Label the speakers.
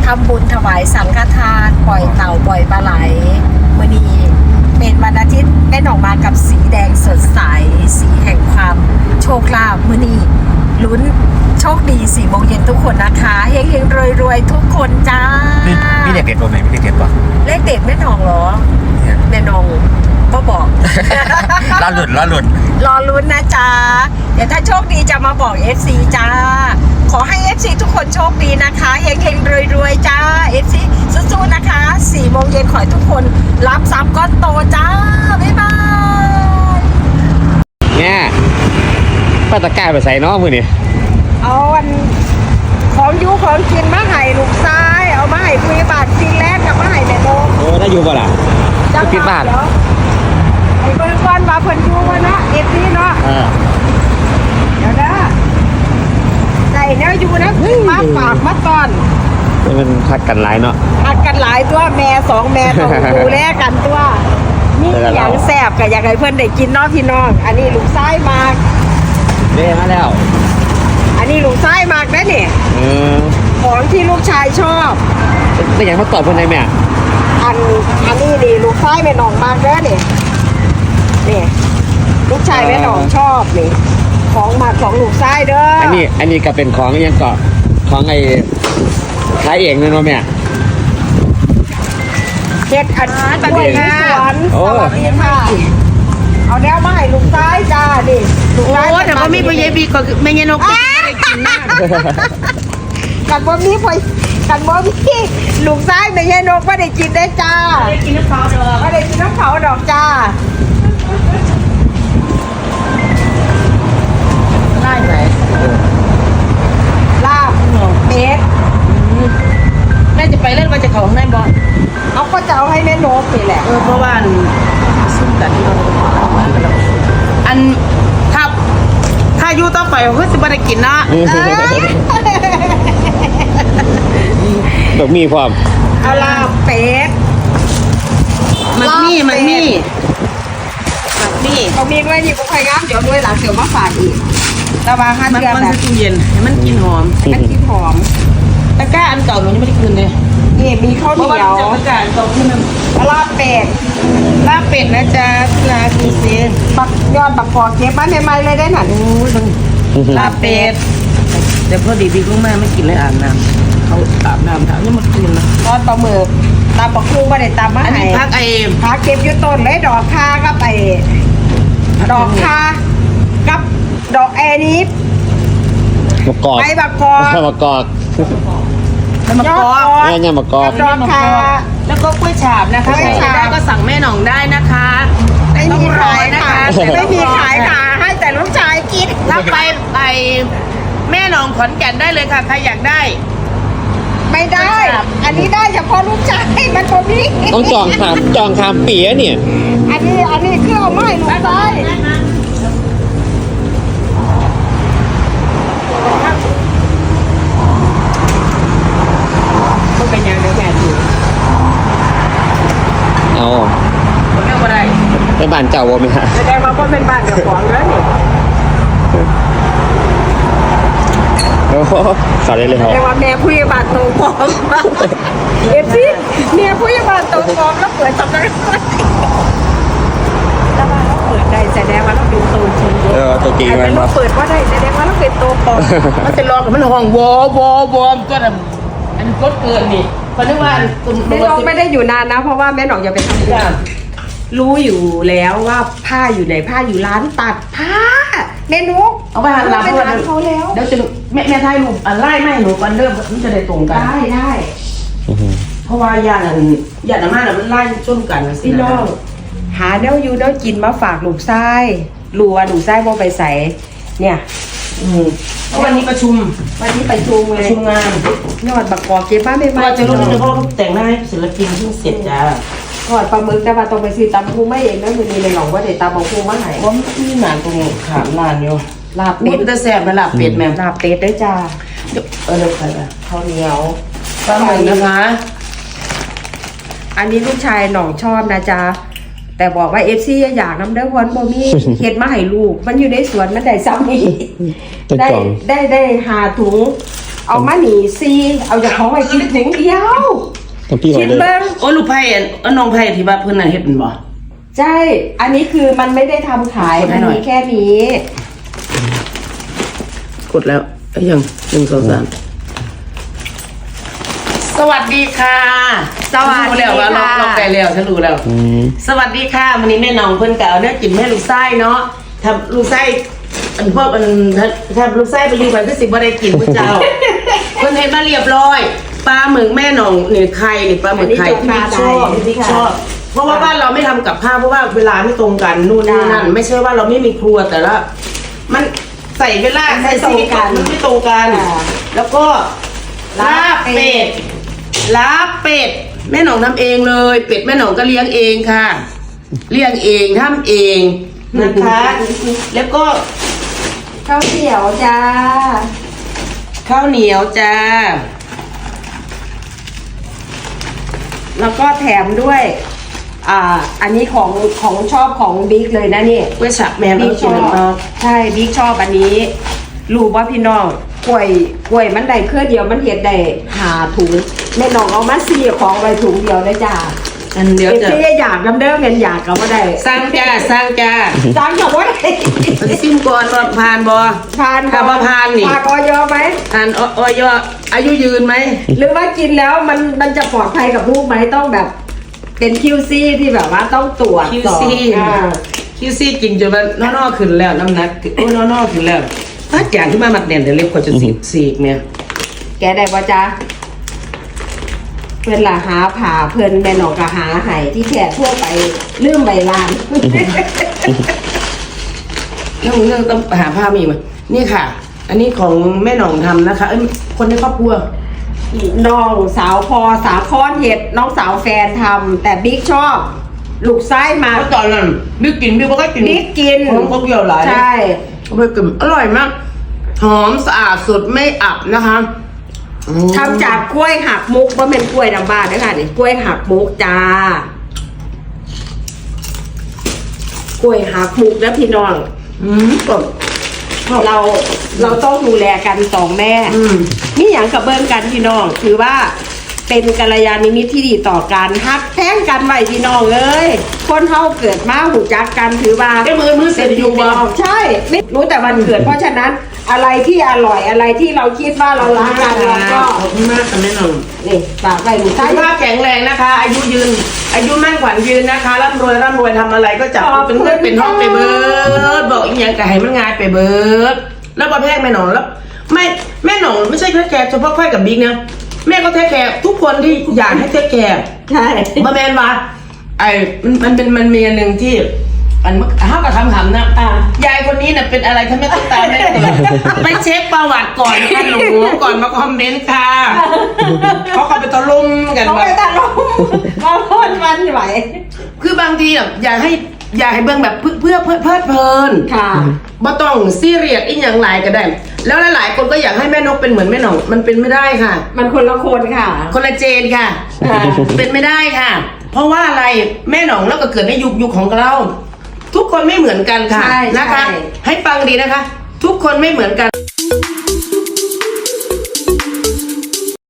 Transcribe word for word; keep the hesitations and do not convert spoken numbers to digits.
Speaker 1: ทำบุญถวายสังฆทานปล่อยเต่าปล่อยปลาไหลมื้อนี้เป็นวันอาทิตย์แม่หนองมากับสีแดงสดใสสีแห่งความโชคลาภมื้อนี้ลุ้นโชคดีสี่โมงเย็นทุกคนนะคะเฮงๆรวยๆทุกคนจ้า
Speaker 2: มีเลขเด็ดป่ะไหมมีเลขเด็ดป่ะ
Speaker 1: เลขเด็ดแม่หนองเหรอแม่หนองก็บอก
Speaker 2: รอหลุดรอหลุด
Speaker 1: รอลุ้นนะจ๊ะเดี๋ยวถ้าโชคดีจะมาบอก เอฟ ซี จ้าขอให้ เอฟ ซี ทุกคนโชคดีนะคะเฮงๆรวยๆจ้า เอฟ ซี สู้ๆนะคะสี่โมงเย็นขอให้ทุกคนรับทรัพย์ก้อนโตจ้าบ๊ายบาย
Speaker 2: เนี่ยป้าตะกร้าไปใส่น้องมือนี่
Speaker 1: เอาวันของยูของกินมาให้ลูกชายเอามาให้คุยบาทซีแรกกับมาให้แม่โม
Speaker 2: เออได้อยู่ป่ะล่ะจะปิดบ้าน
Speaker 1: ไอ้เบิร์กอนมาเพิ่นยูวะเนาะเอฟซีเนาะเดี๋ยวนะใส่เนื้อยูนะมาฝากมาตอน
Speaker 2: มันพักกันหลายเนาะ
Speaker 1: พักกันหลายตัวแม่สองแม่ต้องดูแลกันตัวนี่อย่างแซ่บกับอยากให้เพื่อนได้กินเนาะพี่น้องอันนี้ลูกไส้มาก
Speaker 2: เด้มาแล้ว
Speaker 1: อันนี้ลูกไส้มากนะเนี่ยของที่ลูกชายชอบ
Speaker 2: ได้อย่างเขาตอบเพื่อนได้ไหม
Speaker 1: อันอันนี้ดีลูกไส้แม่น้องมากเด้อเนี่ยนี่ลูกชายแม่น้องชอบนี่ของมาของลูกไส้เด้อ
Speaker 2: อันนี้อันนี้ก็เป็นของยังเกาะของไอ้ขายเองเลยเนาะแม่
Speaker 1: เฮ็ดอันตัดเองสวนสวัสดีค่ะเอาแนวมาให้ลูกไส้จ้าดิ
Speaker 3: ลูกไส้แต่ว่ามีพยาบีก็ไม่เงี้ยนกไม่ได้กินนะ
Speaker 1: กันบ่มีพยกันบ่มีลูกไส้ไม่ใช่นกไม่ได้กินได้จ้า
Speaker 3: ไม่ได้กินน้ำเผาดอก
Speaker 1: ไม่ได้กินน้ำเผาดอกจ้า
Speaker 3: ได้ไหม
Speaker 1: ลาบเม็ด
Speaker 3: แม่จะไปเล่นมาจากเขาข้างในบอล
Speaker 1: เอาก็จะเอาให้แม่นกนี่แหละ
Speaker 3: เออเพราะว่าซุ่มกันเราอันถ้าถ้าอยู่ต่อไปก็จะไม่ได้กินนะ
Speaker 2: แบบมีความ
Speaker 1: เอาลาบเป็ด
Speaker 3: มันมีมันมีมันมี
Speaker 1: เขามีด้วยนี่พวกใครงามเดี๋ยวด้วยหลังเดี๋ยวมาฝากอีกระวังห้าเดือน
Speaker 3: แบบมันจะเย็นให้มันกินหอม
Speaker 1: มันกินหอม
Speaker 3: ตะกร้าอันเก่าหนูยังไม่ได้คืนเลย
Speaker 1: นี่มีข้าวเหนียว
Speaker 3: ตะกร้าเก่าขึ้นนึง
Speaker 1: ลาบเป็ด
Speaker 3: ลาบเป็ดนะจ๊ะนาคีเซน
Speaker 1: บักยอดบักกอกเก็บมาใหม่ๆเลยได้หนัง
Speaker 3: ลาบเป็ดเดี๋ยวพอดีดีก็แม่ไม่กินเลยอาบน้ำเขาอาบน้ำถามยังมาคืนนะ
Speaker 1: ตอนปลาหมึกตามปลาคูมาได้ตามมา
Speaker 3: อันนี้พักไอ้
Speaker 1: พักเก็บอยู่ต้นเลยดอกคากับไอ้ดอกคากับดอกแอนี้
Speaker 2: มะกอก
Speaker 1: ใบบักกอก
Speaker 2: มะกอก
Speaker 3: มะกอก
Speaker 2: แม่เนี่ยมะกอก
Speaker 1: ดอกคา
Speaker 3: แล้วก็กล้วยฉาบนะคะกล้วยฉาบก็สั่งแม่หน่องได้นะคะ
Speaker 1: ไม่มีขายนะคะไม่มีขายค่ะให้แต่ลูกชายกิน
Speaker 3: รับไปไปแม่หน่องขอนแก่นได้เลยค่ะใครอยากได้
Speaker 1: ไม่ได้อันนี้ได้เฉพาะลูกชายมันตัวนี้
Speaker 2: ต้องจองคามจองคามปีอะเนี่ย
Speaker 1: อันนี้อันนี้คือเอาไม้ลูกชายมันเป็นยังไงแม่ดู
Speaker 2: เอา
Speaker 3: ไม่เอาอะไร
Speaker 2: เป็นบ้านเจ้าวะไหมฮะ
Speaker 1: แสดงว่าก็เป็นบ้านเจ้าของแล้วนี่
Speaker 2: โอ้สอนได้เลยเหรอ
Speaker 1: แต่ว่าแม่ผู้ใหญ่บ้านโตฟองเอฟซีแม่ผู้ใหญ่บ้านโตฟองแล้วเปิดสำนักงานแล้วว่าเราเปิดได้แสดงว่าเราเป็นโตจริง
Speaker 2: เออตัวจริงมัน
Speaker 1: เราเปิดว่าได้แสดงว่าเราเป็นโตฟอง
Speaker 3: มันจะลองมันห้องวอวอวอมก็แบบอันก็เกินนี่เพราะนึกว่า
Speaker 1: แม่น้องไม่ได้อยู่นานนะเพราะว่าแม่น้องยังไปทำงานรู้อยู่แล้วว่าผ้าอยู่ไหนผ้าอยู่ร้านตัดผ้าเมนู
Speaker 3: เอาไปหันหลังไปร้านเขาแล้วเดี๋ยวจะแม่แม่ไทยหนูอันไล่ไม่หนูกันเริ่มมันจะได้ตรงกัน
Speaker 1: ได้ได้
Speaker 3: เพราะว่าญาติญาติมากมันไล่ชนกัน
Speaker 1: พี่น้องหาเนื้อยูเนื้อกินมาฝากลูกไส้รัวลูกไส้โมไปใส่เนี่ย
Speaker 3: วันนี้ประชุม
Speaker 1: วันนี้ประชุม
Speaker 3: ประชุมงาน
Speaker 1: ยอดบักกอกเก็บบ้านไม่มา
Speaker 3: จะรู้จะพ่อแต่งหน้าให้ศิลปินเพิ่งเสร็จจ้า
Speaker 1: ทอดปลาหมึกแต่ว่าต้องไปซื้อตำปูไม่เองนะมือนี้เลยหลงว่าเดี๋ยวตำปลาปูมาไหน
Speaker 3: ว่ามีหนานตรงขามลานอยู่
Speaker 1: ลาบเป็ด
Speaker 3: จะแซ่บไหมลาบเป็ดแม่
Speaker 1: ลาบเป็ดด้วยจ้า
Speaker 3: เออเลยค่ะ
Speaker 1: ข้าวเหนียว
Speaker 3: ปลาหมึกนะคะ
Speaker 1: อันนี้ลูกชายหน่องชอบนะจ๊ะแต่บอกว่าเอฟซีอยากน้ำเด้อวันโมมี่เห็ดมาให้ลูกมันอยู่ในสวนมันได้ซ้ำนี่ได้ได้ได้หาถุงเอามาหนีซีเอาจากของไปกินถุงเดียว
Speaker 2: ต้องพี่
Speaker 1: คิด
Speaker 2: เลย
Speaker 1: เบิ้ง
Speaker 3: โอ้ลูกไผ่อันอันน้องไผ่ที่ว่าเพิ่นน่ะเฮ็ดเป็นบ่
Speaker 1: ใช่ อันนี้คือมันไม่ได้ทำขาย
Speaker 3: กดให้
Speaker 1: มัน
Speaker 3: หน่อย
Speaker 1: มีแค่นี้
Speaker 3: กดแล้วไอ้ยังหนึ่งสองสามสวัสดีค่ะ
Speaker 1: สวัสดี
Speaker 3: รู้แล้วว่า
Speaker 1: ค่ะ
Speaker 3: ล็อกล็อกไปแล้วฉันรู้แล้ว
Speaker 2: อืม
Speaker 3: สวัสดีค่ะวันนี้แม่น้องเพิ่นก็เอาเนื้อกินแม่ลูกไส้เนาะทำลูกไส้อันพวกอันถ้าลูกไส้ไปอยู่ไปก็สิบ่ได้กินพระเจ้า เพิ่นเฮ็ดมาเรียบร้อยปลาหมึกแม่น้องนี่ไข่นี่ปลาหมึกไข่ที่บิ๊กชอบที่บิ๊กชอบเพราะว่าบ้านเราไม่ทำกับข้าวเพราะว่าเวลาไม่ตรงกันนู่นนี่นั่นไม่ใช่ว่าเราไม่มีครัวแต่ละมันใส่เวลาใส่สีกันมันไม่ตรงกัน แล้วก็ลาบเป็ดลาบเป็ดแม่หนองทำเองเลย เป็ดแม่หนองก็เลี้ยงเองค่ะ เลี้ยงเองทำเองนะคะ แล้วก็
Speaker 1: ข้าวเหนียวจ้า
Speaker 3: ข้าวเหนียวจ้า
Speaker 1: แล้วก็แถมด้วย อ่า อันนี้ของของชอบของบิ๊กเลยนะนี่
Speaker 3: กล้วยฉับแม่
Speaker 1: บิ๊
Speaker 3: บิ๊
Speaker 1: ก
Speaker 3: ก
Speaker 1: ช
Speaker 3: ช
Speaker 1: อ
Speaker 3: อ
Speaker 1: บบ ใช่บิ๊กชอบอันนี้รู้ว่าพี่น้องกล้วยกล้วยมันได้เครือเดียวมันเห็ดได้หาถุงแม่น้องเอามาสี่ของไว้ถุงเดียวเลยจ้า
Speaker 3: อันเดี๋ยว
Speaker 1: เอฟ
Speaker 3: จะ
Speaker 1: ซีอยากน้ำเด้อเงินอยากก็ไม่ได้
Speaker 3: สร้างจ้าสร้างจ้า
Speaker 1: จ้างกับว่าได้
Speaker 3: ซิมก่อนว่าผ่านบอ
Speaker 1: ทาน
Speaker 3: ถ้าว่าผ่านนี่
Speaker 1: ทานออยไหม
Speaker 3: ผ่านอออยอายุยืนไหม
Speaker 1: หรือว่ากินแล้วมันมันจะปลอดภัยกับลูกไหมต้องแบบ เป็นคิวซี่ที่แบบว่าต้องตรวจ
Speaker 3: คิว
Speaker 1: ก่อน
Speaker 3: ซี่
Speaker 1: อ่า
Speaker 3: คิวซี่กินจนว่านอกๆขึ้นแล้วน้ำหนักโอ้นอกๆขึ้นแล้วถ้าจางขึ้นมามัดแน่นแต่เล็บกว่าจะสีสีกเนี่ย
Speaker 1: แกได้ปะจ๊ะเพื่อนละหาผ่าเพื่อนแม่หนองก็หาไห้ที่แขกทั่วไปลืมใบลาน
Speaker 3: เรื่องเรื่องต้องหาผ้ามีไหมนี่ค่ะ อันนี้ของแม่หน่องทำนะคะเอ้ยคนในครอบครัว
Speaker 1: น้องสาวพอสาคอนเห็ดน้องสาวแฟนทำแต่บิ๊กชอบ ลูกไส้มา
Speaker 3: เมื่อตอนนั้นบิ๊กกินบิ๊กก็กิน
Speaker 1: บิ๊กกิน
Speaker 3: ของเขาเกี่ยวหลาย
Speaker 1: ใช่
Speaker 3: เขาไปกินอร่อยมากหอมสะอาดสดไม่อับนะคะอืม
Speaker 1: ทำจากกล้วยหักมุกว่าเป็นกล้วยดำบ้านนะคะนี่กล้วยหักมุกจ้า กล้วยหักมุกแล้วพี่น้อง
Speaker 3: อืมกบ
Speaker 1: เราเราต้องดูแลกันสองแม่
Speaker 3: อืม
Speaker 1: นี่อย่างกับเบิ้งกันพี่น้องถือว่าเป็นกัลยาณมิตรที่ดีต่อกันฮักแท้งกันไว้พี่น้องเอ้ยคนเฮาเกิดมาหูจักกันถือว่า
Speaker 3: ไอ้มือมือเสร็จอยู่บ่
Speaker 1: ใช่ไม่รู้แต่วันเกิดเพราะฉะนั้นอะไรที่อร่อยอะไรที่เราคิดว่าเรารักกันเราก็
Speaker 3: ขอบคุณมากค่ะแม่หน่อง
Speaker 1: นี่ฝากไว้ดู
Speaker 3: สุ
Speaker 1: ใช่
Speaker 3: ขภาพแข็งแรงนะคะ อายุยืน อายุมั่นขวัญยืนนะคะร่ำรวยร่ำรวยทำอะไรก็จับเป็นเพื่อนเป็นห้องไปเบิร์ดบอกอีกอย่างก็ให้มันงายไปเบิร์ดแล้วประเภทแม่หนองแล้วไม่แม่หนองไม่ใช่แค่แกเฉพาะค่อยกับบิ๊กนะแม่ก็เทคแคร์ทุกคนที่อยากให้เทคแคร์
Speaker 1: ใช่
Speaker 3: มาแมนว่าไอ้มันมันเป็นมันมีอันหนึ่งที่อันห้าวกับคำขำนะ
Speaker 1: อ่าย
Speaker 3: ายคนนี้น่ะเป็นอะไรทำไมต้องตามไม่ตลอดไปเช็คประวัติก่อนค่ะหนูก่อนมาคอมเมนต์ค่ะเขาเขาไปตะลุมกัน
Speaker 1: เขา
Speaker 3: ว่า
Speaker 1: ไปตัดลมเขาพ่นมันไหว
Speaker 3: คือบางทีอ่ะอยากให้อยากให้เบิ่งแบบเพื่อเพื่อเพื่อเพลิดเพลิน
Speaker 1: ค่ะ
Speaker 3: บ่ต้องซีเรียสอีกอย่างหลายก็ได้ แล้วหลายๆคนก็อยากให้แม่นกเป็นเหมือนแม่หนองมันเป็นไม่ได้ค่ะ
Speaker 1: มันคนละคนค่ะ
Speaker 3: คนละเจนค่ะ
Speaker 1: อ่า
Speaker 3: เป็นไม่ได้ค่ะ เพราะว่าอะไรแม่หนองแล้วก็เกิดในยุคยุคของเรา ทุกคนไม่เหมือนกันค่ะ
Speaker 1: ใช่
Speaker 3: นะคะ
Speaker 1: ใช่
Speaker 3: ให้ฟังดีนะคะ ทุกคนไม่เหมือนกัน